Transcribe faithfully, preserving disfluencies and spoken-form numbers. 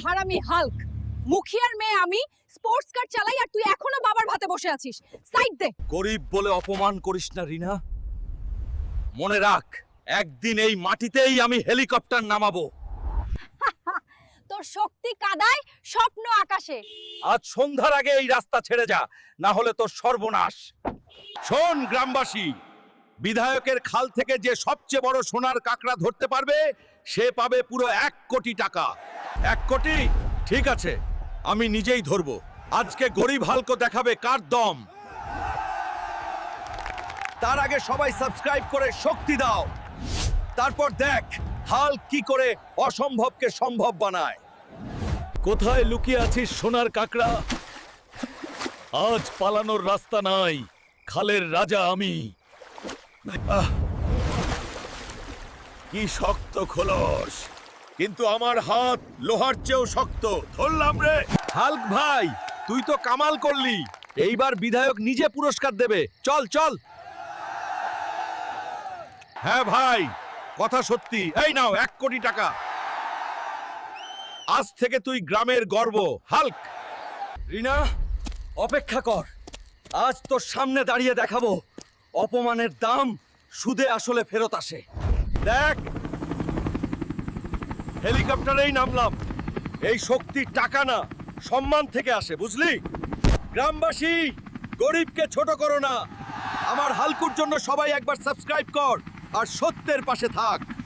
হারামি হাল্ক, মুখিয়ার মেয়ে আমি, স্পোর্টস কার চালাই আর তুই এখনো বাবার ভাতে বসে আছিস। সাইড দে। গরিব বলে অপমান করিস না রিনা। মনে রাখ, একদিন এই মাটিতেই আমি হেলিকপ্টার নামাবো। তোর শক্তি কাদায়, স্বপ্ন আকাশে। আজ সন্ধ্যার আগে এই রাস্তা ছেড়ে যা, না হলে তোর সর্বনাশ। শোন গ্রামবাসী, বিধায়কের খাল থেকে যে সবচেয়ে বড় সোনার কাঁকড়া ধরতে পারবে সে পাবে পুরো এক কোটি টাকা। এক কোটি? ঠিক আছে, আমি নিজেই ধরবো। আজকে গরিব হালকো দেখাবে কার দম। তার আগে সবাই সাবস্ক্রাইব করে শক্তি দাও, তারপর দেখ হাল্ক কি করে অসম্ভবকে সম্ভব বানায়। কোথায় লুকিয়ে আছিস সোনার কাঁকড়া? আজ পালানোর রাস্তা নাই, খালের রাজা আমি। আহ! কি শক্ত খোলস, কিন্তু আমার হাত লোহার চেয়েও শক্ত। ধরলাম রে। হাল্ক ভাই, তুই তো কামাল করলি। এইবার বিধায়ক নিজে পুরস্কার দেবে। চল চল। হ্যাঁ ভাই, কথা সত্যি। এই নাও এক কোটি টাকা। আজ থেকে তুই গ্রামের গর্ব, হাল্ক। রিনা, অপেক্ষা কর। আজ তোর সামনে দাঁড়িয়ে দেখাবো অপমানের দাম সুদে আসলে ফেরত আসে। দেখ, হেলিকপ্টারেই নামলাম। এই শক্তি টাকা না, সম্মান থেকে আসে, বুঝলি? গ্রামবাসী, গরিবকে ছোট করো না। আমার হালকুর জন্য সবাই একবার সাবস্ক্রাইব কর আর সত্যের পাশে থাক।